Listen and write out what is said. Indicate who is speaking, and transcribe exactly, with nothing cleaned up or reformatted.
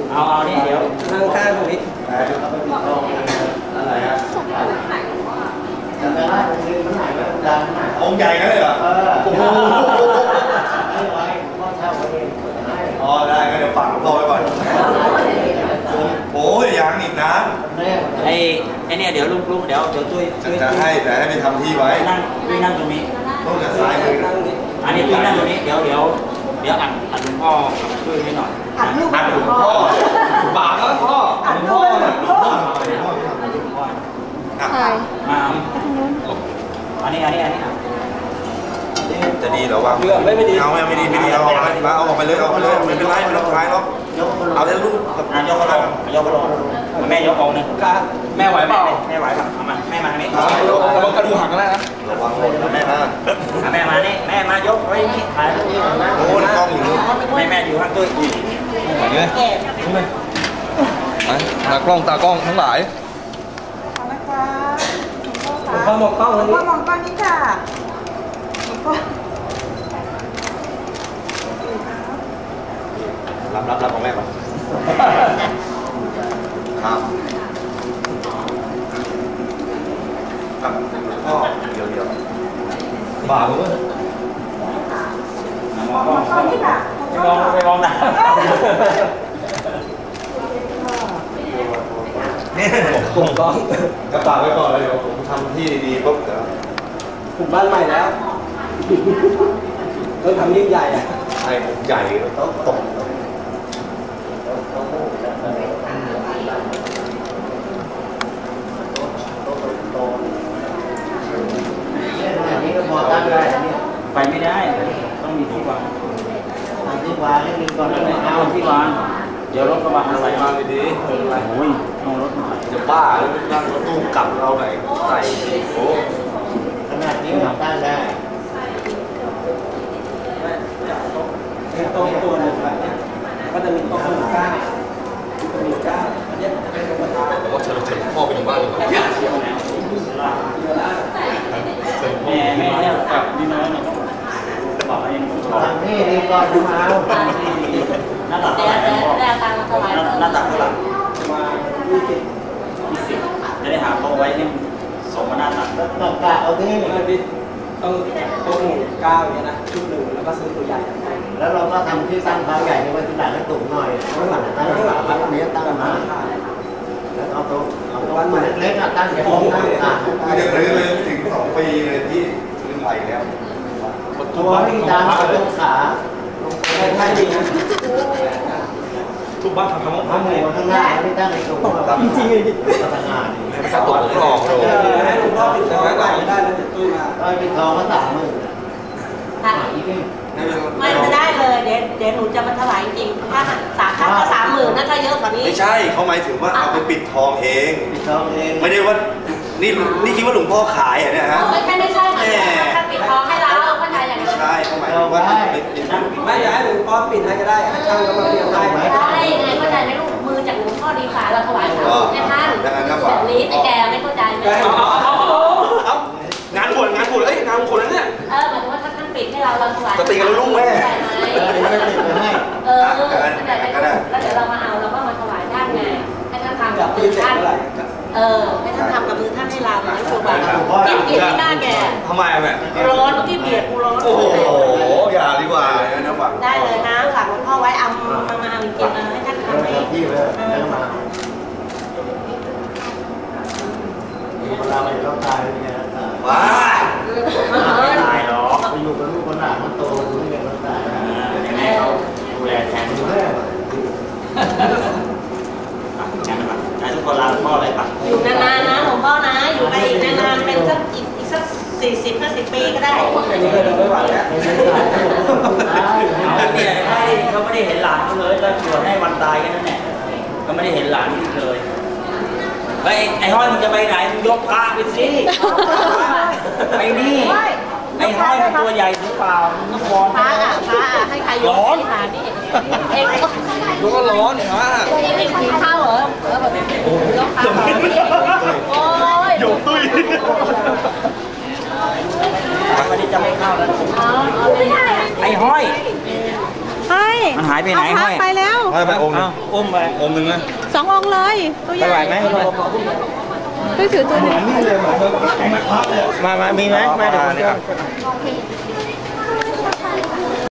Speaker 1: เอาเอานี่เดี๋ยวข้างข้างตรงนี้
Speaker 2: อะไรฮะจะไปไล่ไปซื้อมันไหนไหมดันไหนองค์ใหญ่กันเลยเหรอเออโอ้โหไม่ไหวพ่อเช่าเขาเองอ๋อได้ก็เดี๋ยวฝากหลวงพ่อไว้ก่อนโอ้ยยังอีกนาน
Speaker 1: ไอ้ไอ้เนี่ยเดี๋ยวลุงลุงเดี๋ยวเดี๋ยวช่วยช่วย
Speaker 2: จะให้แต่ให้ไปทำที่ไว้
Speaker 1: นั่งช่วยนั่งตรงนี้
Speaker 2: ต้องจะซ้ายมือ
Speaker 1: อันนี้ช่วยนั่งตรงนี้เดี๋ยวเดี๋ยวเดี๋ยวอัดอัดหลวงพ่อช่วยให้หน่อย
Speaker 3: อัดลูก
Speaker 2: อัดหลวงพ่อบาปแล้วพ่อ
Speaker 3: อัดลูกหลวงพ่อ
Speaker 1: ใช่มาอันนี้อันนี้อันนี้
Speaker 2: จะดีเหรอวะไม่ไม่ดีเอาไม่ไม่ดีไม่ดีเอาออกไปเอาออกไปเลยเอาไปเลยไม่เป็นไรไม่ต้องท้ายหรอกเอาแต่ลูก
Speaker 1: กับยกกระโดดยกกระโดดแม่ยกองหนึ่งแม่ไหวเปล่าแม่ไหวป่ะเอามาแม่มานี่
Speaker 2: ระวังกระดูกหักก็ได้นะระวังแม่มา
Speaker 1: แม่มานี่แม่มายกไว้นี่ถ่ายรูปนี่
Speaker 2: โอ้ยกล้องอยู่
Speaker 1: แม่แม่อยู่ข้างตู้อีก
Speaker 2: เนี่ยตากล้องตากล้องทั้งหลาย
Speaker 3: หลวงพ่อมองกล้องหลวงพ่อมองกล้องนี่ค่ะหลวงพ่อ
Speaker 2: รับรับรับของแม่ก่อนครับครับพ่อเดี๋ยวเดี๋ยวบ่าวเลย
Speaker 3: มองกล้องนี่ค่ะ
Speaker 1: ไปมองไปมองนะ
Speaker 2: นี่ผมกล้องกระเป๋าไว้ก่อนเลยเดี๋ยวผมทำที่ดีๆปุ๊บเดี๋ยว
Speaker 4: ผมบ้านใหม่แล้วต้องทำยิ่งใหญ่อะ
Speaker 2: ใช่ใหญ่ต้องตก
Speaker 1: ไปไม่ได้ต้องมีที่วาง
Speaker 2: ที่วางให้มีก่อน
Speaker 1: ไม่เอาที่วางเดี๋ยวรถกระบะใส่
Speaker 2: มาดีๆ
Speaker 1: โอ้ยต้องรถมา
Speaker 2: จะบ้าแล้วนั่งรถตู้กลับเราไหนใส่โอ้ขนาดนี้ทำได้ได้
Speaker 4: โต๊ะตัวหนึ่งแบบนี้ก็จะมีโต๊ะหนึ่งเก้าหนึ่งเก้าอันนี้จะเป็นกระทะ
Speaker 2: ผมว่าเชิญเชิญพ่อไปอยู่บ้านดีกว่า
Speaker 1: แม่แม่เนี่ยกับพี่น้อยเนี่ยบอกเอง
Speaker 2: ทำนี่ดีก่อนดูเอา
Speaker 1: หน้าตักเท่าไหร่หน้าตักเท่าไหร่
Speaker 4: มายี่สิบ
Speaker 1: ยี่สิบจะได้หาโต๊ะไว้ที่สมหน้าตัก
Speaker 2: ต้องกะเอาที่
Speaker 4: ต้องโต๊ะหนึ่งเก้าอย่างนี้นะชุดหนึ่งแล้วก็ซื้อตัวใหญ่
Speaker 2: แล้วเราก็ทำที่ตั้งพระใหญ่ในวันที่หลังให้ตุ่มหน่อยข้างหลังตั้งหลังพระนี้ตั้งมาแล้วเอาโต๊ะเอาโต๊ะมันเล็กๆตั้งอย่างนี้นะไม่ได้รื้อเลยถึงสองปีเลยที่รื้อใหม่แล้วตัวที่จานเอาลูกขา
Speaker 4: ใช่จริงนะ
Speaker 2: ทุกบ้านทำทั้งทั้งหมดข้างหน้าไม่ตั้งในตุ่ม
Speaker 4: จริงจริง
Speaker 2: ทำงานไม่กระตุกกรอกเลย
Speaker 4: ให้หลวงพ่อปิดทองได้ได้แล้วจะตุ้ยมา
Speaker 2: เออปิดทองก็สามหมื่น
Speaker 5: ไม่ไม่ได้เลยเดี๋ยวเดี๋ยวหนูจะมาถวายจริงถ้าสามถ้าสามหมื่นน่าจะเยอะกว่านี้
Speaker 2: ไม่ใช่เขาหมายถึงว่าเอาไปปิดทองเอง
Speaker 4: ปิดทองเอง
Speaker 2: ไม่ได้ว่านี่นี่คิดว่าหลวงพ่อขายอ่ะเนี่ยฮะ
Speaker 5: ไม่ใช่ไม่ใช่ถ้าปิดทองให้เราเข้าใจอย่างนี้
Speaker 2: ใช่เขาหมายถึงว่า
Speaker 4: ไม่อยากให้หลวงพ่อปิดให้ก็ได้ให้ช่างก็มาเรียงให้
Speaker 5: ใช่ไงเข้าใจไหมลูกมือจากหลวงพ่อดีกว่าเราถวายสามหมื่นให้ท่านแบบนี้แต่แกไม่เข้าใจไหม
Speaker 2: งานบวชงานบวชเอ้ยงานบวชนั่นเนี่ย
Speaker 5: เออหมายถึงว่าถ้าท่านปิดให้เราเราถวาย
Speaker 2: จะตีกันลูกแม่
Speaker 5: เออเข้าใจไหมแล้วเดี๋ยวเรามาเอาเราก็มาถวายท่านไงให้ท่านทำกับมือท่านเออให้ท่านทำกับมือท่านให้เราอย่างนั้นคือแบบกินกินที่หน้าแก
Speaker 2: ทำไมแม่
Speaker 5: ร้อนเมื่อกี้เบียดกูร้อน
Speaker 2: โอ้โหอย่าดีกว่านะฝัง
Speaker 5: ได้เลยนะฝากหลวงพ่อไว้เอามามาเอาจริงๆให้ท่านทำให้
Speaker 2: ที่เลยมาเราไม่ต้องตายเลยนะว้า
Speaker 1: ไม่ตายหรอก
Speaker 2: ไปอยู่กับลูกคนหลานมันโตรู้เรื่องต้องตาย
Speaker 1: ยังไงเขาดูแลแทนดูแลให้ทุกคนลาหลวงพ่อเลยปะ
Speaker 5: อยู่นานๆนะหลวงพ่อนะอยู่ไปอีกนานๆเป็นสักอีกอีกสักสี่สิบห้าสิบปีก็ได้
Speaker 4: อันนี้ก็ไม่ไหวแล้ว
Speaker 1: เนี่ยเขาไม่ได้เห็นหลานเขาเลยแล้วชวนให้วันตายกันนั่นแหละก็ไม่ได้เห็นหลานเลยไอ้ไอ้ห้อยมึงจะไปไหนมึงยกพระไปสิไปนี่ไอ้ห้อยมันตัวใหญ่หรือเปล่ามึงร้อน
Speaker 5: พระอ่ะพระอ่ะให้ใครยกร้อนนี่เอง
Speaker 2: ยกก็ร้อนเหรอ
Speaker 5: เองเองกินข้าวเหรอเออแบบยกข้าวโอ้ย
Speaker 2: ยกตุ้ย
Speaker 1: วันนี้จะไม่เข้าแล้วไอ้ห้อย
Speaker 6: ห้อย
Speaker 1: มันหายไปไหน
Speaker 6: เอาพ
Speaker 1: ห้
Speaker 6: ระ
Speaker 1: อย
Speaker 6: ไปแล้ว
Speaker 2: ให้ไปองค์
Speaker 1: เอาอุ้มไป
Speaker 2: องค์หนึ่งนะ
Speaker 6: สององค์เลยตัวให
Speaker 1: ไป
Speaker 6: ญ่
Speaker 1: ไหวไหม
Speaker 6: ช่วยถือตัวหนึ่ง
Speaker 1: มามามีไหมมาเดี๋ยวผมช่วย